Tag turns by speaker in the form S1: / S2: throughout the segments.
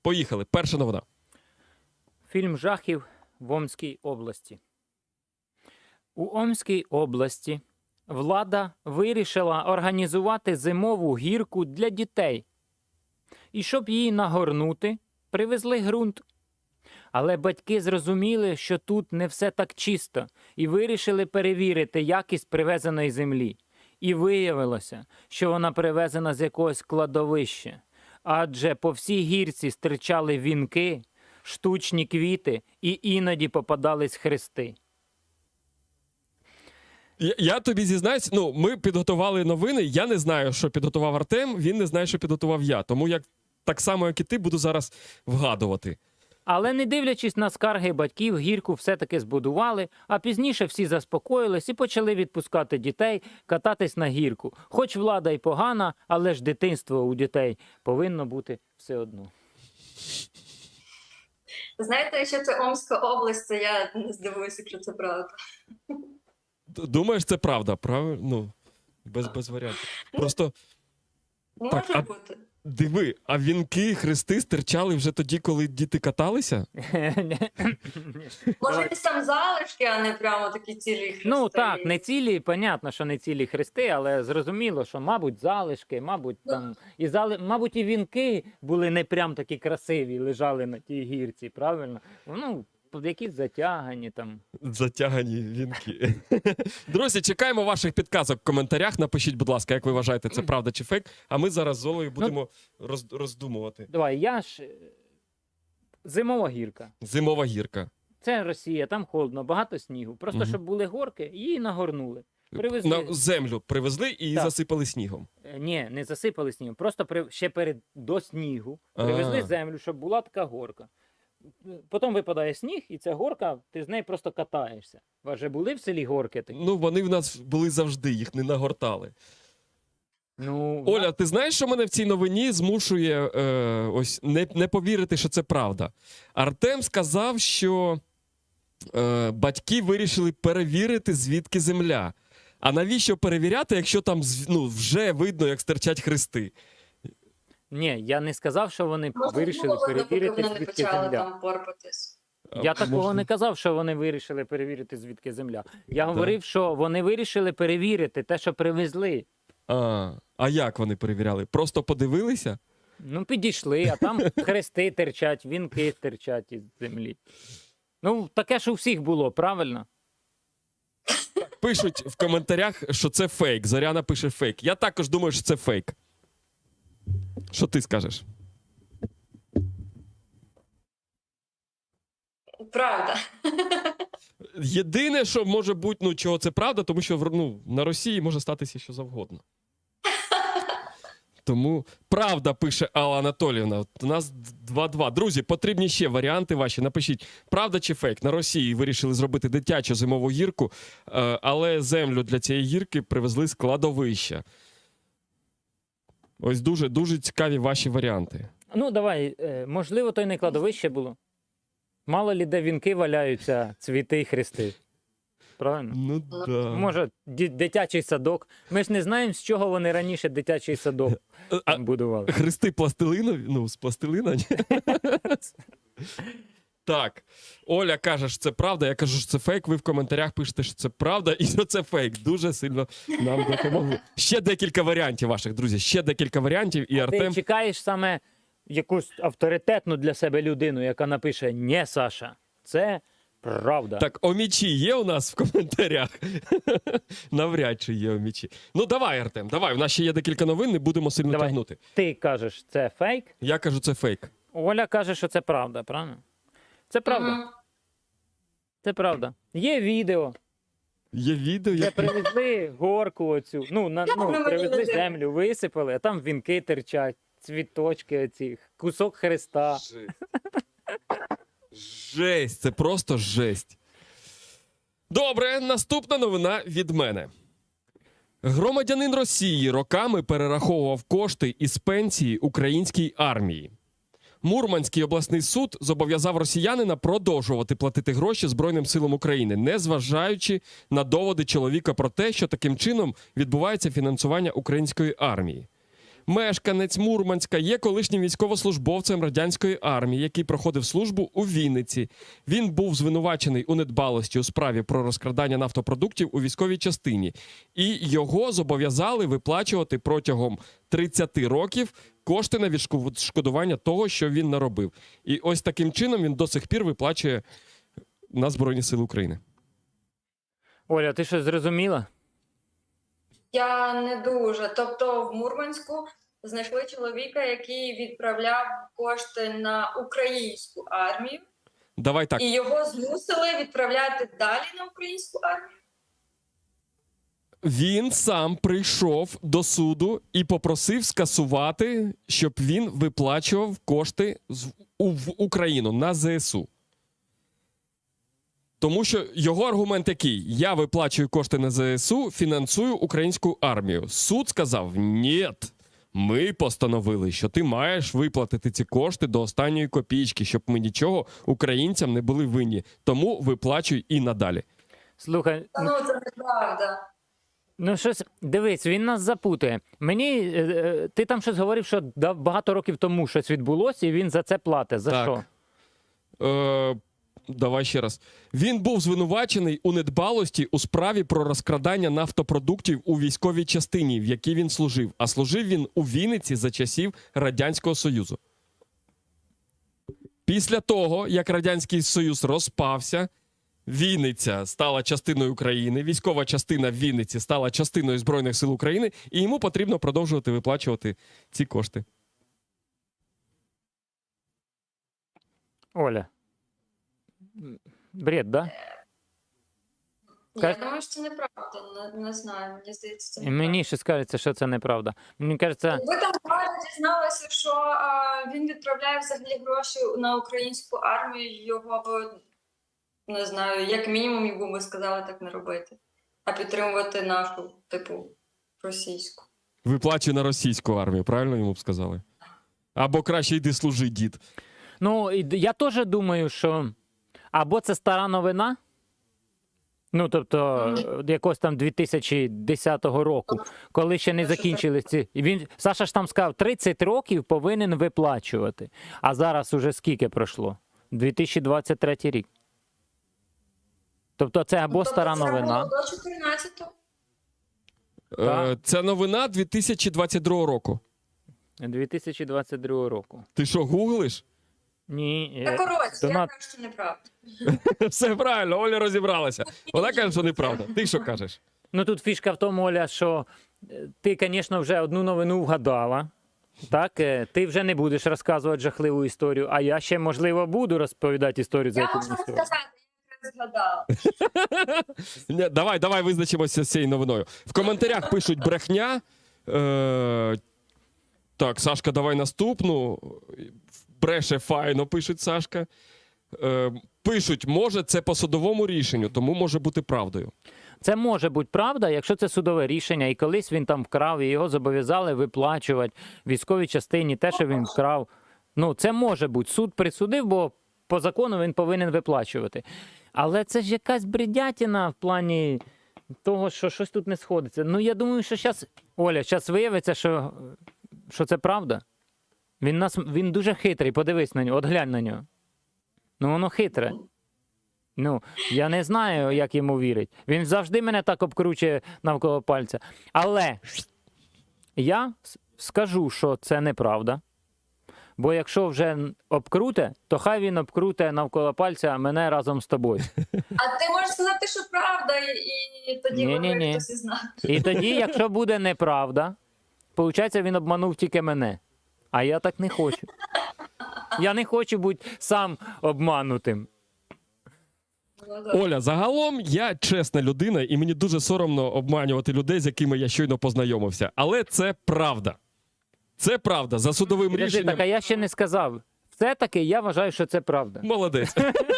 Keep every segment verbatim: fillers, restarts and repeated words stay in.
S1: Поїхали. Перша новина.
S2: Фільм жахів в Омській області. У Омській області влада вирішила організувати зимову гірку для дітей. І щоб її нагорнути, привезли ґрунт. Але батьки зрозуміли, що тут не все так чисто, і вирішили перевірити якість привезеної землі. І виявилося, що вона привезена з якогось кладовища. Адже по всій гірці стирчали вінки, штучні квіти і іноді попадались хрести.
S1: Я, я тобі зізнаюсь, ну, ми підготували новини, я не знаю, що підготував Артем, він не знає, що підготував я. Тому як так само, як і ти, буду зараз вгадувати.
S2: Але не дивлячись на скарги батьків, гірку все-таки збудували, а пізніше всі заспокоїлись і почали відпускати дітей кататись на гірку. Хоч влада й погана, але ж дитинство у дітей повинно бути все одно.
S3: Знаєте, якщо це Омська область, то я не здивуюся, якщо це правда.
S1: Д- Думаєш, це правда, правильно? Ну, без, без варіантів. Просто
S3: Може
S1: Так, а-
S3: бути.
S1: диви, а вінки, хрести стирчали вже тоді, коли діти каталися?
S3: Може, якісь там залишки, а не прямо такі цілі хрести.
S2: Ну так, не цілі, понятно, що не цілі хрести, але зрозуміло, що, мабуть, залишки, мабуть, там, і зали... мабуть, і вінки були не прям такі красиві, лежали на тій гірці, правильно? Ну, якісь затягані там.
S1: Затягані вінки. Друзі, чекаємо ваших підказок в коментарях. Напишіть, будь ласка, як ви вважаєте, це правда чи фейк. А ми зараз з Олею будемо роз, роздумувати.
S2: Давай, я ж... Зимова гірка.
S1: Зимова гірка.
S2: Це Росія, там холодно, багато снігу. Просто,
S1: Мгм.
S2: щоб були горки, її нагорнули. Привезли.
S1: На землю привезли і її
S2: Так.
S1: засипали снігом.
S2: Е, Ні, не засипали снігом. Просто при... ще перед до снігу привезли
S1: А.
S2: землю, щоб була така горка. Потім випадає сніг, і ця горка, ти з нею просто катаєшся. У вас же були в селі горки такі?
S1: Ну, вони в нас були завжди, їх не нагортали.
S2: Ну,
S1: Оля, ти знаєш, що мене в цій новині змушує е, ось не, не повірити, що це правда? Артем сказав, що е, батьки вирішили перевірити, звідки земля. А навіщо перевіряти, якщо там з- ну, вже видно, як стирчать хрести?
S2: ні, я не сказав, що вони
S3: Може,
S2: вирішили
S3: було видно, поки
S2: перевірити,
S3: вони не
S2: звідки
S3: почали
S2: земля.
S3: там порпатись.
S2: Я
S1: А,
S2: такого
S1: можна-
S2: не казав, що вони вирішили перевірити, звідки земля. Я говорив, що вони вирішили перевірити те, що привезли.
S1: А, а як вони перевіряли? Просто подивилися?
S2: Ну, підійшли, а там хрести терчать, вінки терчать із землі. Ну, таке ж у всіх було, правильно?
S1: Пишуть в коментарях, що це фейк. Зоряна пише фейк. Я також думаю, що це фейк. Що ти скажеш?
S3: Правда.
S1: Єдине, що може бути, ну, чого це правда, тому що в- ну, на Росії може статися що завгодно. Тому правда, пише Алла Анатоліївна. От у нас два-два. Друзі, потрібні ще варіанти ваші. Напишіть, правда чи фейк. На Росії вирішили зробити дитячу зимову гірку, е, але землю для цієї гірки привезли з кладовища. Ось дуже, дуже цікаві ваші варіанти.
S2: Ну, давай, е, можливо, то й не кладовище було. Мало лі де вінки валяються, цвіти і хрести. Правильно?
S1: Ну, да.
S2: Може, ді- дитячий садок. Ми ж не знаємо, з чого вони раніше дитячий садок
S1: А,
S2: будували.
S1: хрести пластилинові? Ну, з пластилина? Ні? Так, Оля каже, що це правда, я кажу, що це фейк, ви в коментарях пишете, що це правда і що це фейк. Дуже сильно нам допомогли. Ще декілька варіантів ваших, друзі, ще декілька варіантів, і
S2: Ти
S1: Артем...
S2: чекаєш саме якусь авторитетну для себе людину, яка напише «Нє, Саша, це правда».
S1: Так, омічі є у нас в коментарях? Навряд чи є омічі. Ну, давай, Артем, давай, у нас ще є декілька новин, не будемо сильно
S2: Давай.
S1: тягнути.
S2: Ти кажеш, це фейк,
S1: Я кажу, це фейк.
S2: Оля каже, що це правда, правильно? Це правда.
S3: Мгм.
S2: Це правда. Є відео,
S1: Є відео,
S2: де
S1: як...
S2: привезли горку оцю, ну, на,
S3: Як
S2: ну
S3: ми
S2: привезли
S3: могли?
S2: землю, висипали, а там вінки терчать, цвіточки оці, кусок хреста.
S1: Жесть, це просто жесть. Добре, наступна новина від мене. Громадянин Росії роками перераховував кошти із пенсії українській армії. Мурманський обласний суд зобов'язав росіянина продовжувати платити гроші Збройним силам України, незважаючи на доводи чоловіка про те, що таким чином відбувається фінансування української армії. мешканець Мурманська, є колишнім військовослужбовцем радянської армії, який проходив службу у Вінниці. Він був звинувачений у недбалості у справі про розкрадання нафтопродуктів у військовій частині. І його зобов'язали виплачувати протягом тридцяти років кошти на відшкодування того, що він наробив. І ось таким чином він до сих пір виплачує на Збройні Сили України.
S2: Оля, ти щось зрозуміла?
S3: Я не дуже. Тобто в Мурманську знайшли чоловіка, який відправляв кошти на українську армію,
S1: Давай так.
S3: і його змусили відправляти далі на українську армію.
S1: Він сам прийшов до суду і попросив скасувати, щоб він виплачував кошти з- у- в Україну на ЗСУ. Тому що його аргумент який? Я виплачую кошти на ЗСУ, фінансую українську армію. Суд сказав: ні, ми постановили, що ти маєш виплатити ці кошти до останньої копійки, щоб ми нічого українцям не були винні. Тому виплачуй і надалі.
S2: Слухай,
S3: Та ну це неправда.
S2: ну щось, дивись, він нас запутує. Мені, е, е, ти там щось говорив, що да- багато років тому щось відбулося, і він за це платить. За
S1: Так.
S2: що?
S1: Е, давай ще раз. Він був звинувачений у недбалості у справі про розкрадання нафтопродуктів у військовій частині, в якій він служив. А служив він у Вінниці за часів Радянського Союзу. Після того, як Радянський Союз розпався, Вінниця стала частиною України, військова частина в Вінниці стала частиною Збройних сил України, і йому потрібно продовжувати виплачувати ці кошти.
S2: Оля. Бред, да?
S3: Я
S2: Как?
S3: думаю, що це неправда. Не, не знаю, мені здається, це
S2: І
S3: неправда.
S2: мені ще скажеться, що це неправда. Мені кажеться,
S3: Ви там правильно дізналися, що а, він відправляє взагалі гроші на українську армію, його б, не знаю, як мінімум йому би сказали так не робити, а підтримувати нашу, типу, російську.
S1: Виплачує на російську армію, правильно йому б сказали? Або краще йди служи, дід.
S2: ну, і д- я теж думаю, що або це стара новина, ну, тобто, е, якогось там дві тисячі десятого року, коли ще не закінчили ці. І він, Саша ж там сказав, тридцять років повинен виплачувати. А зараз уже скільки пройшло? дві тисячі двадцять третій рік. Тобто це або
S3: Тобто
S2: стара
S3: це
S2: новина.
S3: було до чотирнадцятого.
S1: Е,
S2: Так.
S1: це новина дві тисячі двадцять другого року.
S2: дві тисячі двадцять другого року.
S1: Ти що, гуглиш?
S2: Ні.
S3: Та
S2: е,
S3: коротше, я
S2: донат-
S3: кажу, що неправда.
S1: Все правильно, Оля розібралася. Вона каже, що неправда. Ти що кажеш?
S2: Ну тут фішка в тому, Оля, що е, ти, звісно, вже одну новину вгадала. Так, Е, ти вже не будеш розказувати жахливу історію, а я ще, можливо, буду розповідати історію за
S3: Я
S2: якусь
S3: можу
S2: історію.
S3: сказати, я якраз згадала.
S1: Ні, давай, давай визначимося з цією новиною. В коментарях пишуть брехня. Е, так, Сашка, давай наступну. Бреше файно, пишуть Сашка. Е, пишуть, може, це по судовому рішенню, тому може бути правдою.
S2: Це може бути правда, якщо це судове рішення, і колись він там вкрав, і його зобов'язали виплачувати військовій частині те, що він вкрав. Ну, це може бути. Суд присудив, бо по закону він повинен виплачувати. Але це ж якась бредятіна в плані того, що щось тут не сходиться. Ну, я думаю, що зараз, Оля, зараз виявиться, що, що це правда. Він, нас, він дуже хитрий, подивись на нього, от глянь на нього. Ну, воно хитре. Ну, я не знаю, як йому вірить. Він завжди мене так обкручує навколо пальця. Але я с- скажу, що це неправда. Бо якщо вже обкруте, то хай він обкруте навколо пальця мене разом з тобою.
S3: А ти можеш сказати, що правда, і, і тоді
S2: Ні-ні-ні.
S3: може хтось і знає.
S2: І тоді, якщо буде неправда, виходить, він обманув тільки мене. А я так не хочу. Я не хочу бути сам обманутим.
S3: Ну, да.
S1: Оля, загалом я чесна людина, і мені дуже соромно обманювати людей, з якими я щойно познайомився. Але це правда. Це правда. За судовим
S2: Подожди,
S1: рішенням.
S2: так, а я ще не сказав. Все-таки я вважаю, що це правда.
S1: Молодець.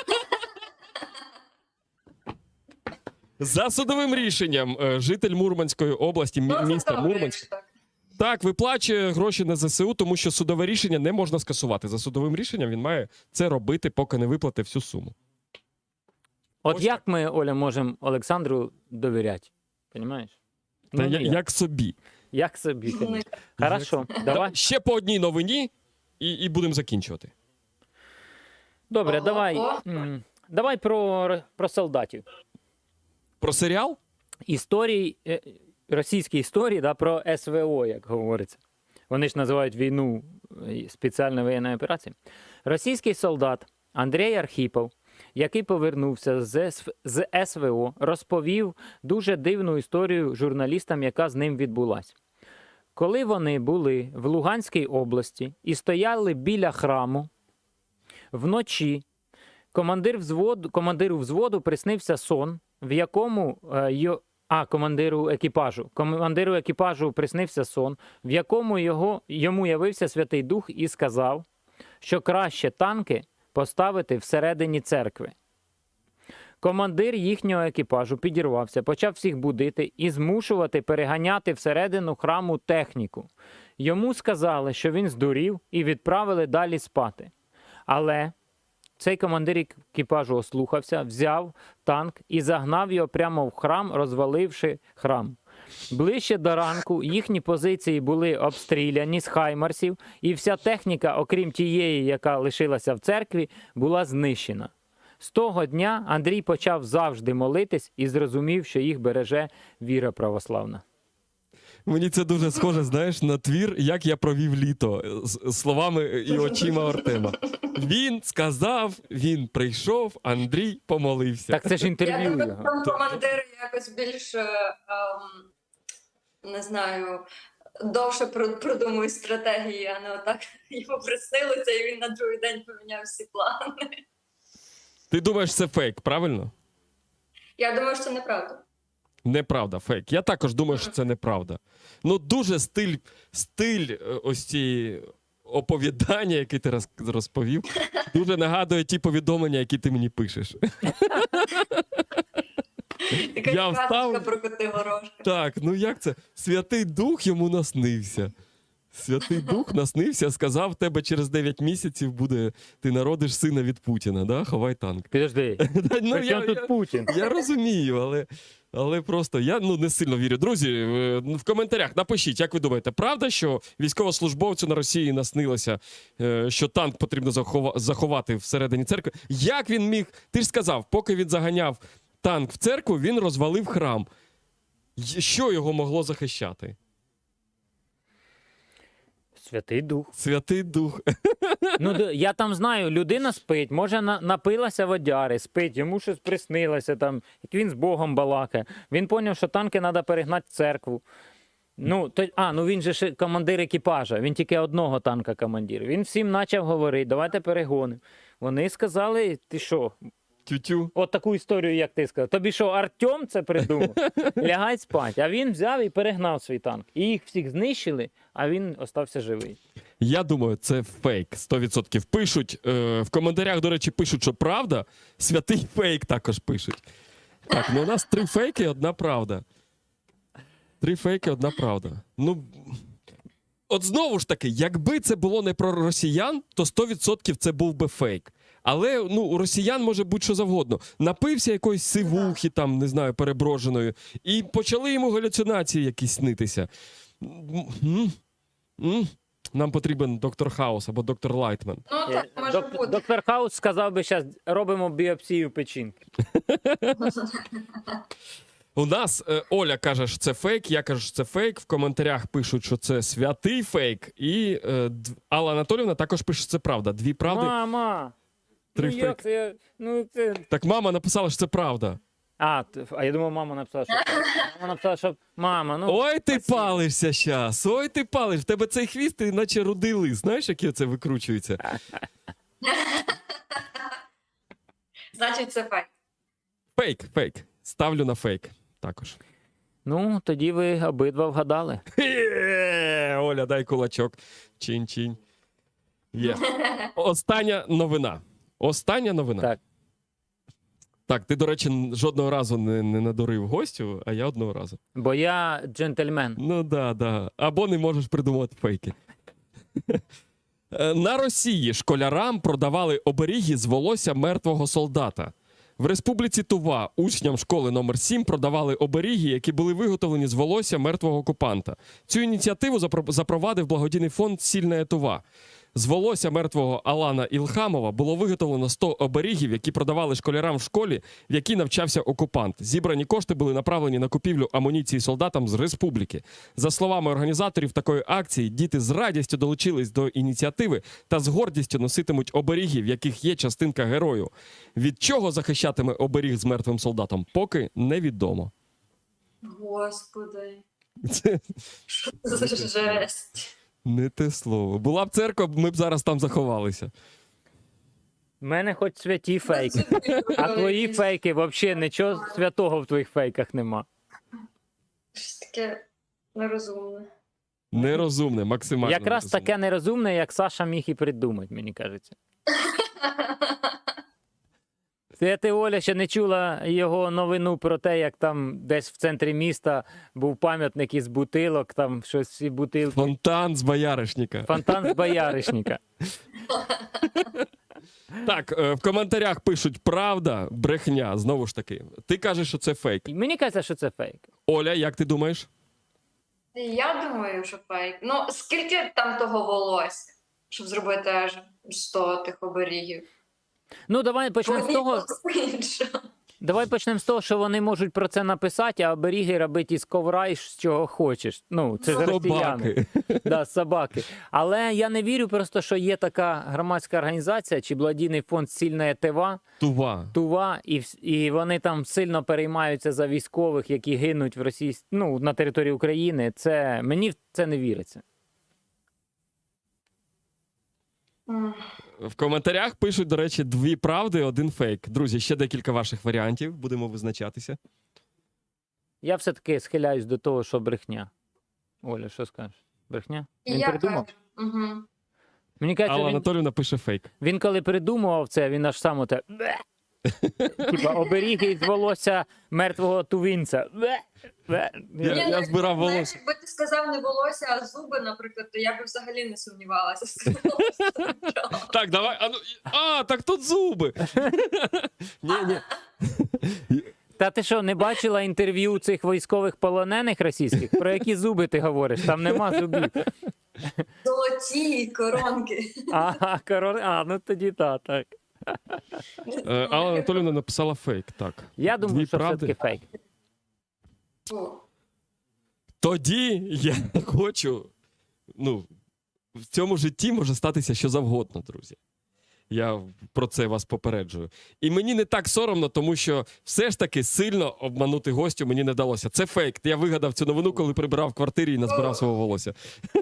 S1: За судовим рішенням е, житель Мурманської області, мі-
S3: Ну, це
S1: міста
S3: добре,
S1: Мурманськ,
S3: якщо так.
S1: так, виплачує гроші на ЗСУ, тому що судове рішення не можна скасувати. За судовим рішенням він має це робити, поки не виплатить всю суму.
S2: От
S1: Ось
S2: як ми, Оля, можемо Олександру довіряти? Понімаєш?
S1: Та я,
S2: ніяк.
S1: як собі.
S2: Як собі,
S3: Ну,
S2: конечно. Хорошо, давай.
S1: Да, ще по одній новині і, і будемо закінчувати.
S2: Добре,
S3: Ого.
S2: давай. м, Давай про, про солдатів.
S1: Про серіал?
S2: Історії, е, російські історії, да, про ес ве о, як говориться. Вони ж називають війну е, спеціальною воєнною операцією. Російський солдат Андрій Архіпов, який повернувся з, ес- з ес ве о, розповів дуже дивну історію журналістам, яка з ним відбулася. Коли вони були в Луганській області і стояли біля храму, вночі командир взводу, командиру взводу приснився сон, в якому е, йо, а, командиру екіпажу. Командиру екіпажу приснився сон, в якому його, йому явився Святий Дух і сказав, що краще танки поставити всередині церкви. Командир їхнього екіпажу підірвався, почав всіх будити і змушувати переганяти всередину храму техніку. Йому сказали, що він здурів, і відправили далі спати. Але цей командир екіпажу ослухався, взяв танк і загнав його прямо в храм, розваливши храм. Ближче до ранку їхні позиції були обстріляні з хаймарсів, і вся техніка, окрім тієї, яка лишилася в церкві, була знищена. З того дня Андрій почав завжди молитись і зрозумів, що їх береже віра православна.
S1: Мені це дуже схоже, знаєш, на твір «Як я провів літо» з словами і очима Артема. Він сказав, він прийшов, Андрій помолився.
S2: Так це ж
S3: Я
S2: інтерв'ю
S3: думаю,
S2: його.
S3: там командир якось більш, е, ем, не знаю, довше про- продумує стратегії, а не отак йому приснилося, і він на другий день поміняв всі плани.
S1: Ти думаєш, це фейк, правильно?
S3: Я думаю, що це неправда.
S1: Неправда, фейк. Я також думаю, що це неправда. Ну, дуже стиль, стиль е, ось ці оповідання, які ти роз- розповів, дуже нагадує ті повідомлення, які ти мені пишеш.
S3: Така
S1: Я
S3: казочка
S1: встав-
S3: про коти горошка.
S1: Так, ну як це? Святий Дух йому наснився. Святий Дух наснився, сказав, в тебе через дев'ять місяців буде, ти народиш сина від Путіна, да? Ховай танк.
S2: Підожди,
S1: Ну,
S2: при чому тут Путін?
S1: Я розумію, але, але просто я ну, не сильно вірю. Друзі, е, в коментарях напишіть, як ви думаєте, правда, що військовослужбовцю на Росії наснилося, е, що танк потрібно захова- заховати всередині церкви? Як він міг? Ти ж сказав, поки він заганяв танк в церкву, він розвалив храм. Й- Що його могло захищати?
S2: Святий Дух.
S1: Святий Дух.
S2: Ну, д- я там знаю, людина спить, може на, напилася водяри, спить, йому щось приснилося, там, як він з Богом балакає. Він зрозумів, що танки треба перегнати в церкву. Ну, то, а, ну він же ж командир екіпажа, він тільки одного танка командир. Він всім почав говорити, давайте перегонимо. Вони сказали, ти що,
S1: Тю-тю.
S2: от таку історію, як ти сказав. Тобі що, Артем це придумав? Лягай спать. А він взяв і перегнав свій танк. І їх всіх знищили, а він остався живий.
S1: Я думаю, це фейк. сто відсотків пишуть. Е, в коментарях, до речі, пишуть, що правда. Святий фейк також пишуть. Так, ну у нас три фейки, одна правда. Три фейки, одна правда. Ну, от знову ж таки, якби це було не про росіян, то сто відсотків це був би фейк. Але ну, у росіян може бути що завгодно. Напився якоїсь сивухи, там, не знаю, переброженої, і почали йому галюцинації якісь снитися. М, м. Нам потрібен доктор Хаус або доктор Лайтман.
S3: Ну, так
S2: Е,
S3: може
S2: Док-
S3: бути.
S2: Доктор Хаус сказав би, зараз робимо біопсію печінки.
S1: У нас е, Оля каже, що це фейк, я кажу, що це фейк. В коментарях пишуть, що це святий фейк. І е, Д- Алла Анатолівна також пише, що це правда. Дві правди.
S2: Мама!
S1: Три
S2: ну як
S1: фейки.
S2: це? Ну, це...
S1: Так мама написала, що це правда.
S2: А, т- а я думав, мама написала, що... Мама написала, що... Мама, ну...
S1: Ой, ти
S2: спасибо.
S1: палишся щас, ой, ти палиш. В тебе цей хвіст, ти наче рудий лис. Знаєш, як це викручується?
S3: Значить, це фейк.
S1: Фейк, фейк. Ставлю на фейк також.
S2: Ну, тоді ви обидва вгадали.
S1: Є! Оля, дай кулачок. Чинь-чинь. Є. Остання новина. Остання новина.
S2: Так.
S1: Так, ти, до речі, н- жодного разу не, не надурив гостю, а я одного разу.
S2: Бо я джентльмен.
S1: Ну да, да. Або не можеш придумати фейки. Е, На Росії школярам продавали оберіги з волосся мертвого солдата. В Республіці Тува учням школи номер сім продавали оберіги, які були виготовлені з волосся мертвого окупанта. Цю ініціативу запро- запровадив благодійний фонд «Сильна Тува». З волосся мертвого Алана Ілхамова було виготовлено сто оберігів, які продавали школярам в школі, в якій навчався окупант. Зібрані кошти були направлені на купівлю амуніції солдатам з республіки. За словами організаторів такої акції, діти з радістю долучились до ініціативи та з гордістю носитимуть оберіги, в яких є частинка герою. Від чого захищатиме оберіг з мертвим солдатом, поки невідомо.
S3: Господи,
S1: Це
S3: що це за жесть.
S1: не те слово. Була б церква, ми б зараз там заховалися.
S2: У мене хоч святі фейки. А твої фейки взагалі нічого святого в твоїх фейках нема.
S3: Щось таке нерозумне.
S1: Нерозумне, максимально
S2: Якраз
S1: нерозумне.
S2: таке нерозумне, як Саша міг і придумати, мені кажеться. Це ти, Оля, ще не чула його новину про те, як там десь в центрі міста був пам'ятник із бутилок, там щось всі бутилки.
S1: Фонтан з бояришника.
S2: Фонтан з бояришника.
S1: Так, е, в коментарях пишуть правда, брехня. Знову ж таки. Ти кажеш, що це фейк.
S2: І мені кажеться, що це фейк.
S1: Оля, як ти думаєш?
S3: Я думаю, що фейк. Ну, скільки там того волосся, щоб зробити аж сто тих оберігів?
S2: Ну, давай почнемо з того,
S3: Іншого.
S2: давай почнемо з того, що вони можуть про це написати, а оберіги робити із ковра і з чого хочеш. Ну, це ж росіяни.
S1: Собаки.
S2: Да, собаки. Але я не вірю просто, що є така громадська організація чи благодійний фонд «Сильна Тува»,
S1: Тува.
S2: Тува, і, вс- і вони там сильно переймаються за військових, які гинуть в Росії, ну, на території України. Це, мені в це не віриться.
S3: М.
S1: В коментарях пишуть, до речі, дві правди, один фейк. Друзі, ще декілька ваших варіантів. Будемо визначатися.
S2: Я все-таки схиляюсь до того, що брехня. Оля, що скажеш? Брехня?
S3: І
S2: Він
S3: я
S2: придумав?
S3: кажу. Угу.
S2: Мені кажеться,
S1: Алла
S2: він,
S1: Анатоліївна пише фейк.
S2: він коли придумував це, він аж сам оте... «Бе». Типа оберіги із волосся мертвого тувінця. «Бе, бе».
S1: Я-
S3: Ні, ну,
S1: збирав
S3: знаєш,
S1: волосся.
S3: Якби ти сказав не волосся, а зуби, наприклад, то я б взагалі не сумнівалася.
S1: Так, давай. А, ну, і- а так тут зуби. Ні, ні.
S2: Та ти що, не бачила інтерв'ю цих військових полонених російських? Про які зуби ти говориш? Там нема зубів.
S3: Золоті коронки.
S2: Ага, корон... А, ну тоді та, так.
S1: Е, Алла Анатоліївна написала фейк. Так.
S2: Я думаю,
S1: Дві
S2: що
S1: правди.
S2: все-таки фейк.
S3: Фу.
S1: Тоді я хочу. Ну, в цьому житті може статися що завгодно, друзі. Я про це вас попереджую. І мені не так соромно, тому що все ж таки сильно обманути гостю мені не вдалося. Це фейк. Я вигадав цю новину, коли прибирав в квартирі і назбирав свого волосся.